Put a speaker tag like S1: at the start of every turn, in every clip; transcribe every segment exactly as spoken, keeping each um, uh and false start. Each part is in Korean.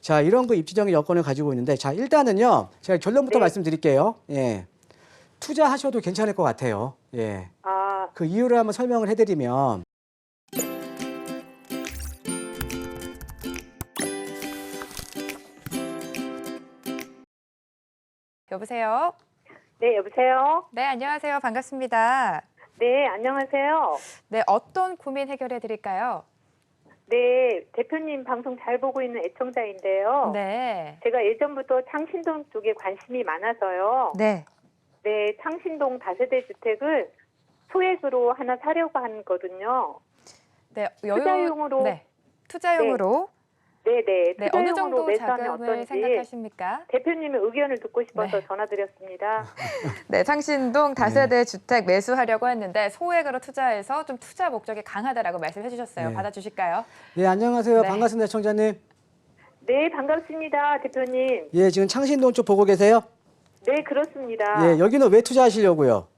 S1: 자, 이런 그 입지적인 여건을 가지고 있는데, 자, 일단은요, 제가 결론부터
S2: 네.
S1: 말씀드릴게요. 예. 투자하셔도 괜찮을 것 같아요. 예.
S2: 아,
S1: 그 이유를 한번 설명을 해드리면,
S3: 여보세요?
S2: 네, 여보세요?
S3: 네, 안녕하세요. 반갑습니다.
S2: 네, 안녕하세요.
S3: 네, 어떤 고민 해결해 드릴까요?
S2: 네, 대표님 방송 잘 보고 있는 애청자인데요.
S3: 네.
S2: 제가 예전부터 창신동 쪽에 관심이 많아서요.
S3: 네.
S2: 네, 창신동 다세대 주택을 소액으로 하나 사려고 하거든요.
S3: 네, 여유
S2: 투자용으로.
S3: 네. 투자용으로
S2: 네, 네.
S3: 네, 어느
S2: 투자용으로
S3: 정도
S2: 매수하면
S3: 자금을
S2: 어떤지
S3: 생각하십니까?
S2: 대표님의 의견을 듣고 싶어서
S3: 네.
S2: 전화드렸습니다.
S3: 네, 창신동 다세대 주택 매수하려고 했는데 소액으로 투자해서 좀 투자 목적이 강하다라고 말씀해 주셨어요.
S1: 네.
S3: 받아주실까요?
S1: 예, 안녕하세요.
S3: 네.
S1: 반갑습니다, 청자님.
S2: 네, 반갑습니다, 대표님.
S1: 예, 지금 창신동 쪽 보고 계세요?
S2: 네, 그렇습니다.
S1: 예, 여기는 왜 투자하시려고요?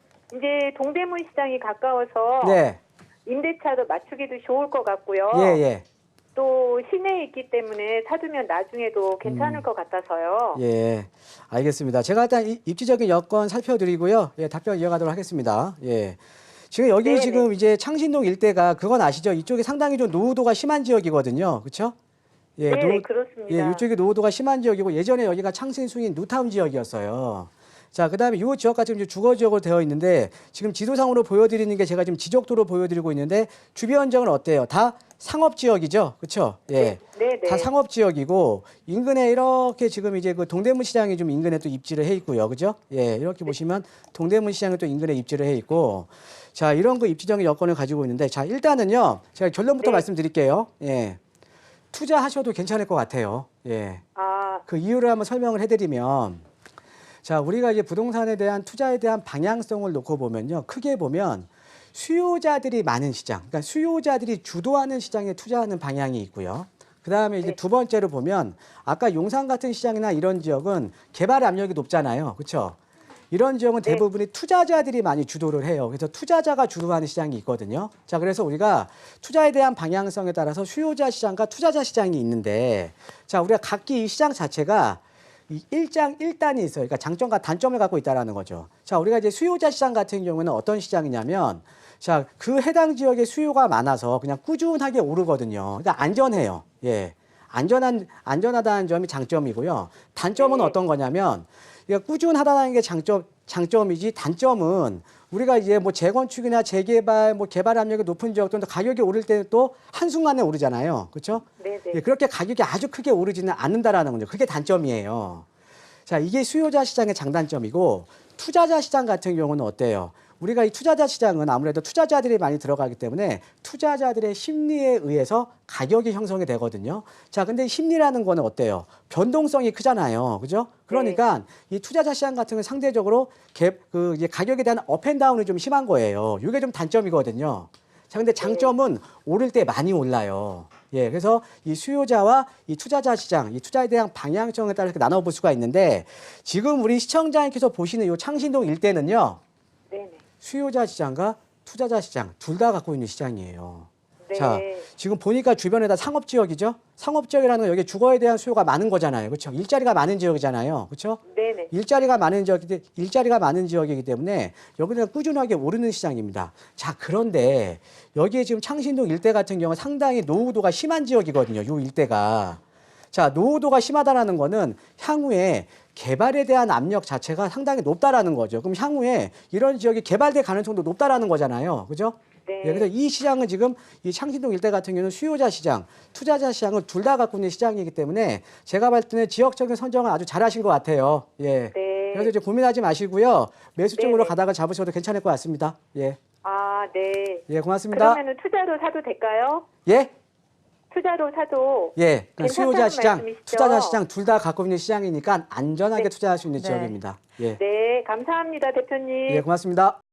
S2: 이제 동대문 시장이 가까워서
S1: 네.
S2: 임대차도 맞추기도 좋을 것 같고요.
S1: 예, 예.
S2: 또 시내에 있기 때문에 사두면 나중에도 괜찮을
S1: 음.
S2: 것 같아서요.
S1: 예, 알겠습니다. 제가 일단 이- 입지적인 여건 살펴드리고요. 예, 답변 이어가도록 하겠습니다. 예. 지금 여기
S2: 네네.
S1: 지금 이제 창신동 일대가 그건 아시죠? 이쪽이 상당히 좀 노후도가 심한 지역이거든요. 그렇죠? 예,
S2: 네,
S1: 노-
S2: 그렇습니다.
S1: 예, 이쪽이 노후도가 심한 지역이고 예전에 여기가 창신수인 뉴타운 지역이었어요. 자, 그다음에 이 지역과 지금 이제 주거 지역으로 되어 있는데 지금 지도상으로 보여드리는 게 제가 지금 지적도로 보여드리고 있는데 주변 지역은 어때요? 다 상업 지역이죠, 그렇죠? 예,
S2: 네, 네.
S1: 다 상업 지역이고 인근에 이렇게 지금 이제 그 동대문 시장이 좀 인근에 또 입지를 해 있고요, 그죠? 예, 이렇게 보시면 동대문 시장이 또 인근에 입지를 해 있고, 자, 이런 그 입지적인 여건을 가지고 있는데, 자, 일단은요, 제가 결론부터
S2: 네.
S1: 말씀드릴게요. 예, 투자하셔도 괜찮을 것 같아요. 예,
S2: 아,
S1: 그 이유를 한번 설명을 해드리면. 자, 우리가 이제 부동산에 대한 투자에 대한 방향성을 놓고 보면요. 크게 보면 수요자들이 많은 시장, 그러니까 수요자들이 주도하는 시장에 투자하는 방향이 있고요. 그 다음에 이제
S2: 네.
S1: 두 번째로 보면 아까 용산 같은 시장이나 이런 지역은 개발 압력이 높잖아요. 그렇죠? 이런 지역은
S2: 네.
S1: 대부분이 투자자들이 많이 주도를 해요. 그래서 투자자가 주도하는 시장이 있거든요. 자, 그래서 우리가 투자에 대한 방향성에 따라서 수요자 시장과 투자자 시장이 있는데, 자, 우리가 각기 이 시장 자체가 이 일장 일단이 있어요. 그러니까 장점과 단점을 갖고 있다라는 거죠. 자, 우리가 이제 수요자 시장 같은 경우는 어떤 시장이냐면, 자, 그 해당 지역에 수요가 많아서 그냥 꾸준하게 오르거든요. 그러니까 안전해요. 예. 안전한, 안전하다는 점이 장점이고요. 단점은
S2: 네.
S1: 어떤 거냐면, 그러니까 꾸준하다는 게 장점, 장점이지 단점은 우리가 이제 뭐 재건축이나 재개발, 뭐 개발 압력이 높은 지역도 가격이 오를 때는 또 한순간에 오르잖아요. 그렇죠?
S2: 네, 네.
S1: 예, 그렇게 가격이 아주 크게 오르지는 않는다라는 거죠. 그게 단점이에요. 자, 이게 수요자 시장의 장단점이고 투자자 시장 같은 경우는 어때요? 우리가 이 투자자 시장은 아무래도 투자자들이 많이 들어가기 때문에 투자자들의 심리에 의해서 가격이 형성이 되거든요. 자, 근데 심리라는 거는 어때요? 변동성이 크잖아요. 그죠? 그러니까 이 투자자 시장 같은 경우는 상대적으로 갭, 그 이제 가격에 대한 업앤다운이 좀 심한 거예요. 이게 좀 단점이거든요. 자, 근데 장점은 오를 때 많이 올라요. 예, 그래서 이 수요자와 이 투자자 시장, 이 투자에 대한 방향성에 따라 이렇게 나눠볼 수가 있는데 지금 우리 시청자님께서 보시는 이 창신동 일대는요,
S2: 네, 네.
S1: 수요자 시장과 투자자 시장 둘 다 갖고 있는 시장이에요.
S2: 네.
S1: 자, 지금 보니까 주변에 다 상업 지역이죠? 상업 지역이라는 건 여기 주거에 대한 수요가 많은 거잖아요. 그렇죠? 일자리가 많은 지역이잖아요. 그렇죠?
S2: 네, 네.
S1: 일자리가 많은 지역이기 일자리가 많은 지역이기 때문에 여기는 꾸준하게 오르는 시장입니다. 자, 그런데 여기에 지금 창신동 일대 같은 경우는 상당히 노후도가 심한 지역이거든요. 요 일대가. 자, 노후도가 심하다라는 거는 향후에 개발에 대한 압력 자체가 상당히 높다라는 거죠. 그럼 향후에 이런 지역이 개발될 가능성도 높다라는 거잖아요. 그죠?
S2: 네.
S1: 예, 그래서 이 시장은 지금 이 창신동 일대 같은 경우는 수요자 시장, 투자자 시장을 둘 다 갖고 있는 시장이기 때문에 제가 봤을 때는 지역적인 선정을 아주 잘하신 것 같아요. 예.
S2: 네.
S1: 그래서 이제 고민하지 마시고요. 매수 쪽으로
S2: 네네.
S1: 가다가 잡으셔도 괜찮을 것 같습니다. 예.
S2: 아, 네.
S1: 예, 고맙습니다.
S2: 그러면은 투자로 사도 될까요?
S1: 예.
S2: 투자로 사도
S1: 예. 그
S2: 괜찮다는
S1: 수요자 시장,
S2: 말씀이시죠?
S1: 투자자 시장 둘 다 갖고 있는 시장이니까 안전하게
S2: 네.
S1: 투자할 수 있는
S3: 네.
S1: 지역입니다. 예.
S2: 네, 감사합니다, 대표님.
S1: 예, 고맙습니다.